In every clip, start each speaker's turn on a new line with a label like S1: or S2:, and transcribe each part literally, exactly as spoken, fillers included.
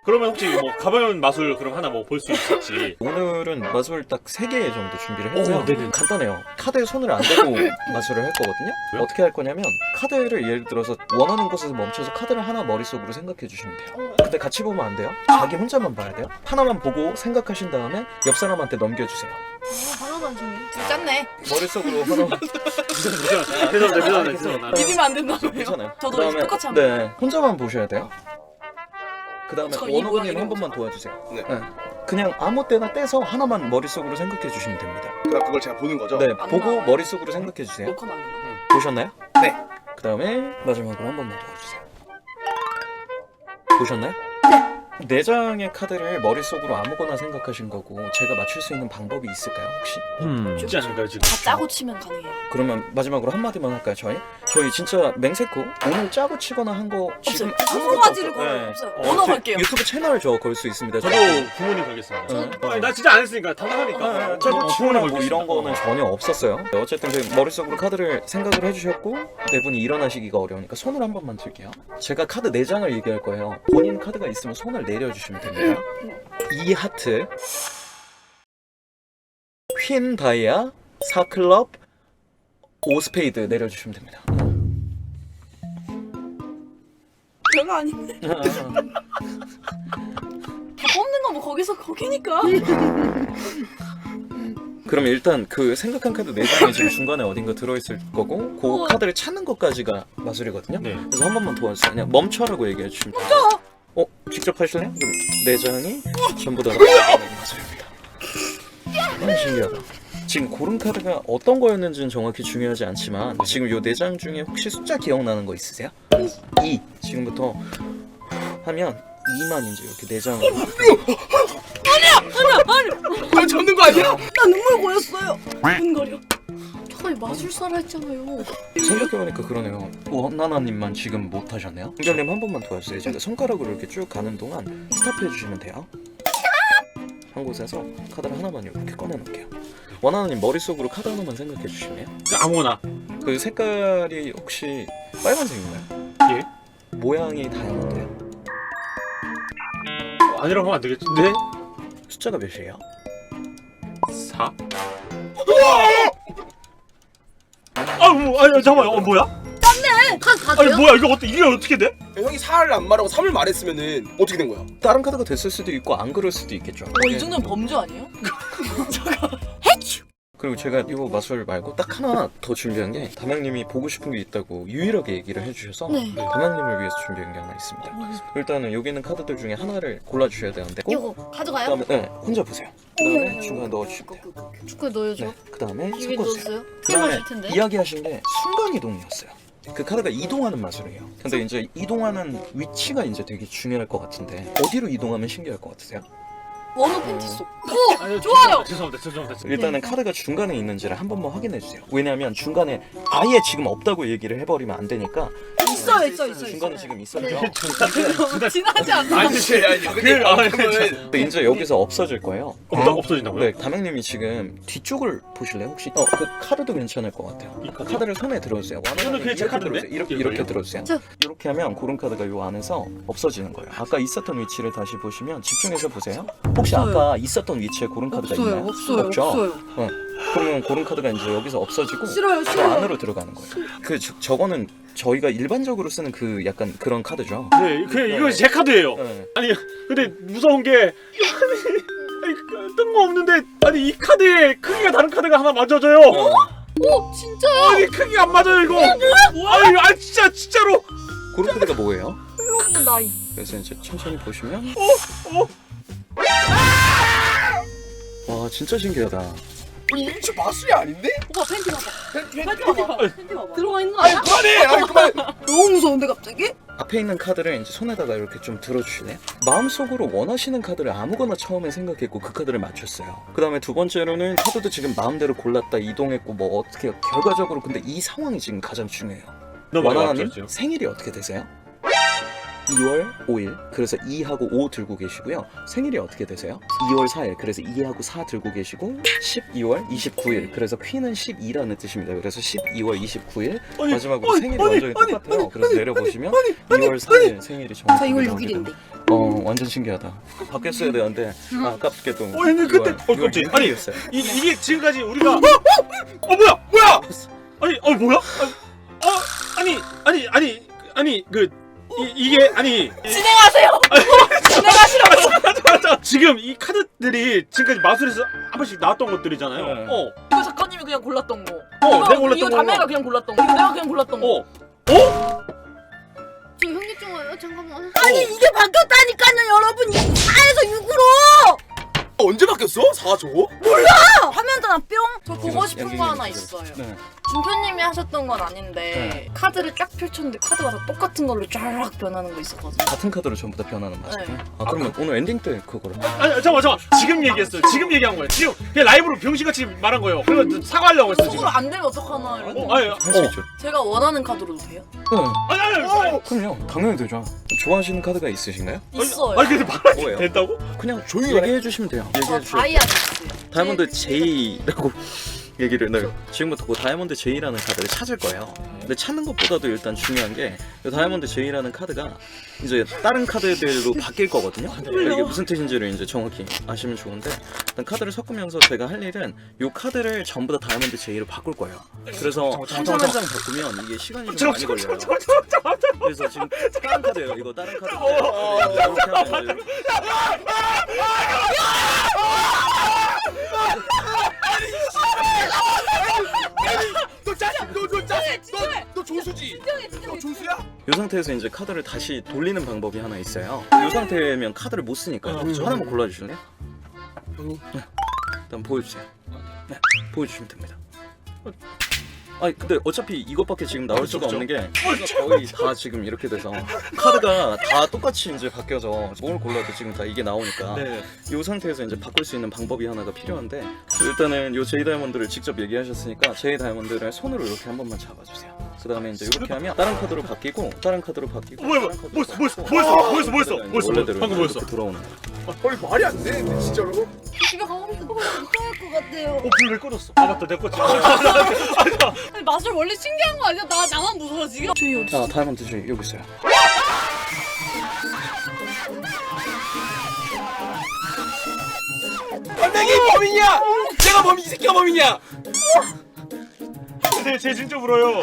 S1: 그러면 혹시 뭐 가벼운 마술 그럼 하나 뭐 볼 수 있을지.
S2: 오늘은 마술 딱 세 개 정도 준비를 했고요.
S1: 오, 네네.
S2: 간단해요. 카드에 손을 안 대고 마술을 할 거거든요.
S1: 왜요?
S2: 어떻게 할 거냐면 카드를 예를 들어서 원하는 곳에서 멈춰서 카드를 하나 머릿속으로 생각해 주시면 돼요. 근데 같이 보면 안 돼요. 자기 혼자만 봐야 돼요. 하나만 보고 생각하신 다음에 옆 사람한테 넘겨주세요.
S3: 어, 하나도 안 중요해. 좀 짰네.
S2: 머릿속으로 하나
S1: 죄송합니다. 죄송합니다. 죄송합니다.
S3: 비비면 안 된다고요?
S2: 괜찮아요.
S3: 저도
S2: 그다음에
S3: 똑같이 합니다.
S2: 네, 혼자만 보셔야 돼요. 그 다음에
S3: 저 이
S2: 원호분님
S3: 모양이네요.
S2: 한 번만 도와주세요.
S4: 네.
S2: 네. 그냥 아무 때나 떼서 하나만 머릿속으로 생각해 주시면 됩니다.
S4: 그럼 그걸 제가 보는 거죠?
S2: 네,
S3: 안
S2: 보고
S3: 나와요.
S2: 머릿속으로 생각해 주세요.
S3: 녹화만 안 되나?
S2: 보셨나요?
S4: 네.
S2: 그 다음에 마지막으로 한 번만 도와주세요. 보셨나요? 네 장의 카드를 머릿속으로 아무거나 생각하신 거고 제가 맞출 수 있는 방법이 있을까요 혹시?
S1: 음, 있지 않을까요 지금?
S3: 다 짜고 치면 가능해요.
S2: 그러면 마지막으로 한마디만 할까요 저희? 저희 진짜 맹세코 오늘 짜고 치거나 한 거 지금
S3: 없어요.
S2: 아무것도
S3: 아무 가지를
S2: 없어요.
S3: 걸어요.
S2: 네.
S3: 없어요.
S1: 어,
S3: 언어
S2: 제
S3: 걸게요.
S2: 유튜브 채널 저 걸 수 있습니다.
S1: 저도 부모님 걸겠습니다.
S2: 네.
S1: 아니, 나 진짜 안 했으니까 당당하니까.
S2: 아,
S1: 어,
S2: 짜고
S1: 부모님
S2: 치거나 뭐
S1: 걸겠습니다.
S2: 이런 거는 전혀 없었어요. 어쨌든 그 머릿속으로 카드를 생각을 해주셨고 네 분이 일어나시기가 어려우니까 손을 한 번만 들게요. 제가 카드 네 장을 얘기할 거예요. 본인 카드가 있으면 손을 내려주시면 됩니다. 이 하트, 퀸 다이아, 사 클럽, 오 스페이드 내려주시면 됩니다.
S3: 별거 아닌데. 다 뽑는 거 뭐 거기서 거기니까.
S2: 그럼 일단 그 생각한 카드 네 장이 지금 중간에 어딘가 들어있을 거고 그
S3: 우와.
S2: 카드를 찾는 것까지가 마술이거든요.
S1: 네.
S2: 그래서 한 번만 도와주세요. 그냥 멈춰라고 얘기해 주시면 돼요. 멈춰! 어? 직접 하실래요? 그럼 네 장이 전부 다 마술입니다. 아, 신기하다. 지금 고른 카드가 어떤 거였는지는 정확히 중요하지 않지만 지금 요 네 장 중에 혹시 숫자 기억나는 거 있으세요? 이. 지금부터 하면 이만 이제 이렇게 네 장을
S4: 그거 접는 거 아니야?
S3: 나 눈물 고였어요. 눈거려. 저희 마술사라 했잖아요.
S2: 생각해보니까 그러네요. 원나나님만 지금 못하셨네요. 은결님 한 번만 도와주세요. 제가 손가락으로 이렇게 쭉 가는 동안 스탑해주시면 돼요. 한 곳에서 카드를 하나만 이렇게 꺼내놓을게요. 원하나님 머릿속으로 카드 하나만 생각해주시면
S1: 아무거나.
S2: 그 색깔이 혹시 빨간색인가요?
S1: 예?
S2: 모양이 다양한데요.
S1: 어, 아니라고 하면 안 되겠지? 네?
S2: 숫자가 몇이에요?
S1: 사? 아, 뭐, 아니, 잠깐만, 어, 뭐야?
S3: 카드 다
S1: 아니,
S3: 돼요?
S1: 뭐야, 이거 어떻게, 이게 어떻게 돼?
S4: 형이 사를 안 말하고 삼을 말했으면은 어떻게 된 거야?
S2: 다른 카드가 됐을 수도 있고 안 그럴 수도 있겠죠.
S3: 어, 이 정도면 범죄 아니에요?
S2: 그리고 제가 이 마술 말고 딱 하나 더 준비한 게 담양님이 보고 싶은 게 있다고 유일하게 얘기를 해주셔서
S3: 네.
S2: 담양님을 위해서 준비한 게 하나 있습니다. 일단은 여기 있는 카드들 중에 하나를 골라주셔야 되는데
S3: 이거 가져가요?
S2: 그다음에 네, 혼자 보세요. 그다음에 중간에 넣어주시면 돼요.
S3: 축구에 넣어줘.
S2: 네, 그다음에
S3: 입에
S2: 섞어주세요.
S3: 넣었어요?
S2: 그다음에
S3: 힘하실 텐데.
S2: 이야기하신 게 순간 이동이었어요. 그 카드가 이동하는 마술이에요. 근데 이제 이동하는 위치가 이제 되게 중요할 것 같은데 어디로 이동하면 신기할 것 같으세요?
S3: 원호 팬티 속.
S1: 아니,
S3: 좋아요.
S1: 죄송합니다, 죄송합니다.
S2: 일단은 카드가 중간에 있는지를 한 번만 확인해 주세요. 왜냐하면 중간에 아예 지금 없다고 얘기를 해버리면 안 되니까
S3: 있어요, 있어, 있어,
S2: 중간에
S3: 있어요.
S2: 지금 있었죠.
S3: 네. 지나지 않나?
S4: 아니 그치 아니
S1: 그, 아,
S4: 그러면
S2: 근데 이제 여기서 없어질 거예요.
S1: 없다, 없어진다고요?
S2: 네, 담양님이 지금 뒤쪽을 보실래요? 혹시? 어, 그 카드도 괜찮을 것 같아요.
S1: 이 카드요?
S2: 카드를 손에 들어주세요.
S1: 이거는 그냥 제 카드인데?
S2: 이렇게
S1: 이걸요?
S2: 이렇게 들어주세요.
S3: 저-
S2: 이렇게 하면 고른 카드가 요 안에서 없어지는 거예요. 아까 있었던 위치를 다시 보시면 집중해서 보세요. 혹시
S3: 없어요.
S2: 아까 있었던 위치에 고른 카드가
S3: 없어요,
S2: 있나요?
S3: 없어요,
S2: 없죠?
S3: 없어요.
S2: 어. 그러면 고른 카드가 이제 여기서 없어지고
S3: 싫어요,
S2: 저
S3: 싫어요.
S2: 안으로 들어가는 거예요. 그 저, 저거는 저희가 일반적으로 쓰는 그 약간 그런 카드죠.
S1: 네, 그, 이거 제 카드예요.
S2: 네.
S1: 아니, 근데 무서운 게, 아니, 뜬금없는데, 아니, 이 카드에 크기가 다른 카드가 하나 맞아져요.
S2: 어.
S3: 오, 진짜요?
S1: 아니, 크기가 안 맞아요, 이거. 아니, 아니, 진짜, 진짜로.
S2: 고른 카드가 뭐예요?
S3: 플로그 나이.
S2: 그래서 이제 천천히 보시면
S1: 어?
S2: 와 진짜 신기하다.
S4: 우리 이거 진짜 마술이 아닌데?
S3: 오빠 팬티 봐봐.
S4: 팬-
S3: 팬티
S4: 팬-
S3: 봐봐. 팬티 봐봐. 들어가 있는 거
S4: 아니
S3: 아니야?
S4: 그만해 아니 그만
S3: 너무 무서운데 갑자기?
S2: 앞에 있는 카드를 이제 손에다가 이렇게 좀 들어주시네요. 마음속으로 원하시는 카드를 아무거나 처음에 생각했고 그 카드를 맞췄어요. 그 다음에 두 번째로는 카드도 지금 마음대로 골랐다 이동했고 뭐 어떻게 결과적으로 근데 이 상황이 지금 가장 중요해요.
S1: 너무 많이
S2: 원하나님
S1: 맞췄죠.
S2: 생일이 어떻게 되세요? 이월 오일, 그래서 이하고 오 들고 계시고요. 생일이 어떻게 되세요? 이월 사일, 그래서 이하고 사 들고 계시고 십이월 이십구일, 그래서 퀸은 십이라는 뜻입니다. 그래서 십이월 이십구일
S1: 아니,
S2: 마지막으로
S1: 아니,
S2: 생일이
S1: 아니,
S2: 완전히
S1: 아니,
S2: 똑같아요.
S1: 아니,
S2: 그래서
S1: 아니,
S2: 내려보시면
S1: 아니,
S2: 이월 사일 생일이 정확히
S3: 저 이월
S2: 나오게
S3: 육일인데.
S2: 됩니다. 어 완전 신기하다. 바뀌었어야 되는데 아, 아깝게도
S1: 어, 근데 그때- 어, 깜짝이야. 아니,
S2: 육일이었어요.
S1: 이, 이게 지금까지 우리가 어 뭐야 뭐야 아니 어 뭐야 아, 어 아니 아니 아니 아니 그 이, 이게 아니
S3: 진행하세요. 진행하시라고.
S1: 맞아 맞아 지금 이 카드들이 지금까지 마술에서 한 번씩 나왔던 것들이잖아요.
S2: 네.
S1: 어
S3: 이거 작가님이 그냥 골랐던 거.
S1: 어,
S3: 이거,
S1: 내가 골랐던
S3: 이거
S1: 거.
S3: 담배가 그냥 골랐던 거. 이거 내가 그냥 골랐던 거.
S1: 어. 어?
S5: 저 현기증 와요. 잠깐만.
S6: 아니 이게 바뀌었다니까요 여러분 사에서 육으로
S4: 언제 바뀌었어? 사 저거?
S6: 화면 전화 뿅
S3: 저
S2: 지금
S3: 보고 싶은
S2: 여기
S3: 거 하나
S2: 있어요.
S3: 있어요.
S2: 네.
S3: 준표님이 하셨던 건 아닌데
S2: 네.
S3: 카드를 딱 펼쳤는데 카드가 다 똑같은 걸로 쫙 변하는 거 있었거든요.
S2: 같은 카드로 전부 다 변하는 맛이요?
S3: 네.
S2: 아 그러면 오늘 엔딩 때 그거를
S1: 아니 잠깐만 잠깐만 지금 얘기했어요. 지금 얘기한 거예요. 지금 그냥 라이브로 병신같이 말한 거예요. 그래서 사과하려고 했어 지금.
S3: 속으로 안 되면 어떡하나 이러고.
S1: 어, 아니
S2: 할 수
S1: 어.
S2: 있죠.
S3: 제가 원하는 카드로도 돼요?
S2: 네.
S1: 아니 아니 아니
S2: 그럼요. 당연히 되죠. 좋아하시는 카드가 있으신가요?
S3: 있어요.
S1: 아니 근데 말하기
S2: 뭐예요?
S1: 된다고?
S2: 그냥
S4: 조용히
S2: 얘기해 주시면 돼요.
S3: 저
S2: 얘기해 주시면
S3: 다이아몬드.
S2: 다이아몬드 제이라고 얘기를 네. 지금부터 그 다이아몬드 제이라는 카드를 찾을 거예요. 근데 찾는 것보다도 일단 중요한 게 이 다이아몬드 제이라는 카드가 이제 다른 카드들로 바뀔 거거든요. 그러니까 이게 무슨 뜻인지를 이제 정확히 아시면 좋은데 일단 카드를 섞으면서 제가 할 일은 이 카드를 전부 다 다이아몬드 제이로 바꿀 거예요. 그래서 한 장 한 장 바꾸면 이게 시간이 좀 많이 걸려요. 그래서 지금 다른 카드예요. 이거 다른 카드인데 이렇게 하면 이제
S4: 너 짜증 너너 짜증 너너 조수지? 너 조수야?
S2: 이 상태에서 이제 카드를 다시 돌리는 방법이 하나 있어요. 이 상태면 카드를 못 쓰니까
S1: 어,
S2: 요 하나만 골라주실래요?
S4: 형이
S2: 일단 보여주세요. 네, 보여주시면 됩니다. 아니 근데 어차피 이것밖에 지금 나올 수가 없는 게 거의 다 지금 이렇게 돼서 카드가 다 똑같이 이제 바뀌어서 뭘 골라도 지금 다 이게 나오니까
S1: 네.
S2: 이 상태에서 이제 바꿀 수 있는 방법이 하나가 필요한데 일단은 요 제이 다이아몬드를 직접 얘기하셨으니까 제이 다이아몬드를 손으로 이렇게 한 번만 잡아주세요. 그 다음에 이제 이렇게 하면 다른 카드로 바뀌고 다른 카드로 바뀌고
S1: 뭐야, 뭐야,
S2: 다른 카드로
S1: 뭐였어, 뭐였어,
S2: 바뀌고
S1: 뭐였어, 뭐였어, 뭐였어,
S2: 카드가 이제
S1: 뭐였어,
S2: 원래대로
S1: 방금
S2: 이렇게
S1: 뭐였어?
S2: 들어오는 거예요.
S4: 거의 말이 안 되는데 진짜로?
S3: 집에 가고 싶어.
S6: 이상할 것 같아요
S1: 어, 불 왜 꺼졌어? 아 맞다, 내 거지.
S3: 아니 마술 원래 신기한 거 아니야? 나 나만 무서워 지금. 저희 어디?
S2: 자 다이아몬드 제이 여기 있어요.
S4: 반장이 범인이야! 내가 범인 이 새끼가 범인이야!
S1: 제, 제 진짜 울어요.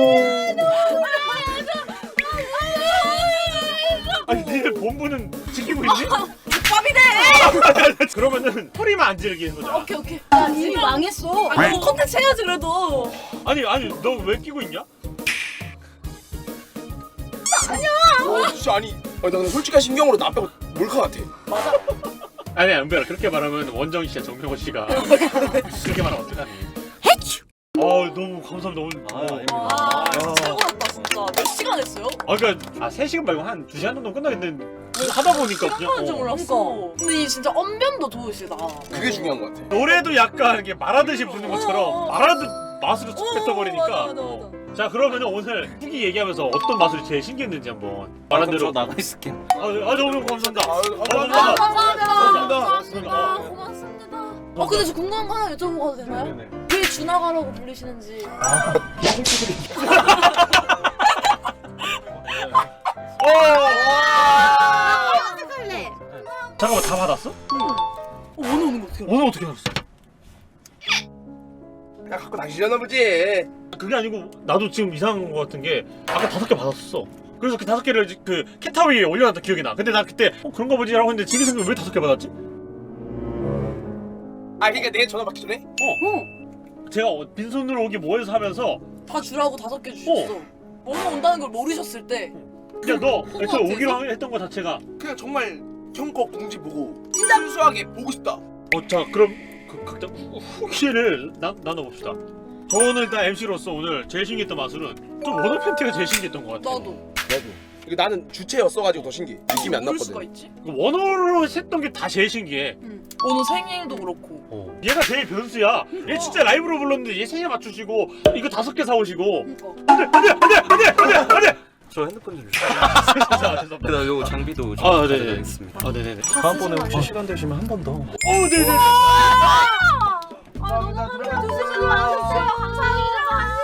S1: 아니, 니들 본부는 지키고 있니?
S3: 밥이네.
S1: 그러면은 소리만 안 지르게 하는 거죠.
S3: 오케이 오케이.
S6: 야 이미 망했어
S3: 아니 뭐 컨텐츠 해야지 그래도.
S1: 아니, 아니, 너 왜 끼고 있냐?
S4: 어 진짜 아니 아니 나 근데 솔직한 심경으로 나 빼고 몰카 같아.
S1: 아니, 은별아, 그렇게 말하면 원정 씨야, 정명호 씨가 그렇게 말하면 어떡하니? 해치. 아, 너무 감사합니다. 오늘.
S2: 아,
S1: 어.
S2: 아닙니다.
S3: 와 최고였다 진짜. 몇 시간 했어요?
S1: 아, 그러니까 아, 세 시간 말고 한 두 시간 정도 끝나겠는데 하다 보니까 그냥
S3: 하는 줄
S1: 어.
S3: 몰랐어. 근데 이 진짜 언변도 좋으시다.
S4: 그게 중요한 것 같아.
S1: 노래도 약간 이게 말하듯이 부르는 것처럼
S3: 어.
S1: 말하듯 마술을 툭
S3: 어,
S1: 뱉어버리니까.
S3: 맞아, 맞아,
S1: 어. 자, 그러면 오늘 후기 얘기하면서 어떤 마술이 제일 신기했는지 한번 말한
S2: 그럼
S1: 대로.
S2: 저 나가 있을게요.
S1: 아, 아, 너무 감사합니다.
S4: 아유,
S1: 아,
S4: 감사합니다.
S1: 감사합니다.
S3: 감사합니다.
S1: 감사합니다.
S3: 고맙습니다. 어 근데 저 궁금한 거 하나 여쭤봐도 되나요?
S1: 네네.
S3: 왜 준하가라고 불리시는지.
S5: 할래.
S1: 잠깐만, 다 받았어?
S3: 어, 오늘 오는 거 어떻게 알아?
S1: 오늘 어떻게 알았어?
S4: 야 갖고 다니려나 보지.
S1: 그게 아니고 나도 지금 이상한 거 같은 게 아까 다섯 개 받았었어. 그래서 그 다섯 개를 그 캣타워 위에 올려놨던 기억이 나. 근데 나 그때 어, 그런가 보지 라고 했는데 지금 생각해 왜 다섯 개 받았지?
S4: 아 그러니까 내가 전화 받기 전에?
S3: 어.
S1: 제가 어, 빈손으로 오기 뭐해서 하면서
S3: 다 주라고 다섯 개 주셨어. 뭐뭐 온다는 걸 모르셨을 때.
S1: 그냥 너
S3: 그거
S1: 애초에
S3: 같아서?
S1: 오기로 했던 거 자체가
S4: 그냥 정말 형 거 공지 보고 순수하게 보고 싶다.
S1: 어, 자, 그럼 그 각자 후- 후기를 나, 나눠봅시다. 저는 일단 엠씨로서 오늘 제일 신기했던 마술은 좀 원어 팬티가 제일 신기했던 것 같아요.
S3: 나도.
S4: 나도. 이게 나는 주체였어가지고 더 신기해. 느낌이 안
S3: 그럴 수가
S4: 났거든.
S3: 있지?
S1: 그 원어로 했던 게 다 제일 신기해.
S3: 응. 오늘 생일도 그렇고.
S1: 어. 얘가 제일 변수야. 얘 진짜 라이브로 불렀는데 얘 생일 맞추시고 이거 다섯 개 사오시고
S3: 그러니까.
S1: 안돼 안돼 안돼 안돼 안돼 안돼
S2: 저 핸드폰 좀 주세요.
S1: 죄송합니다.
S2: 그다음 요거 장비도 좀
S1: 아, 네네.
S2: 가져가겠습니다.
S1: 아 네네네.
S2: 다음번에 혹시 시간 되시면 한 번 더.
S1: 어 네네네.
S5: 아 너무 감사합니다. 주시지 마십시오. 감사합니다.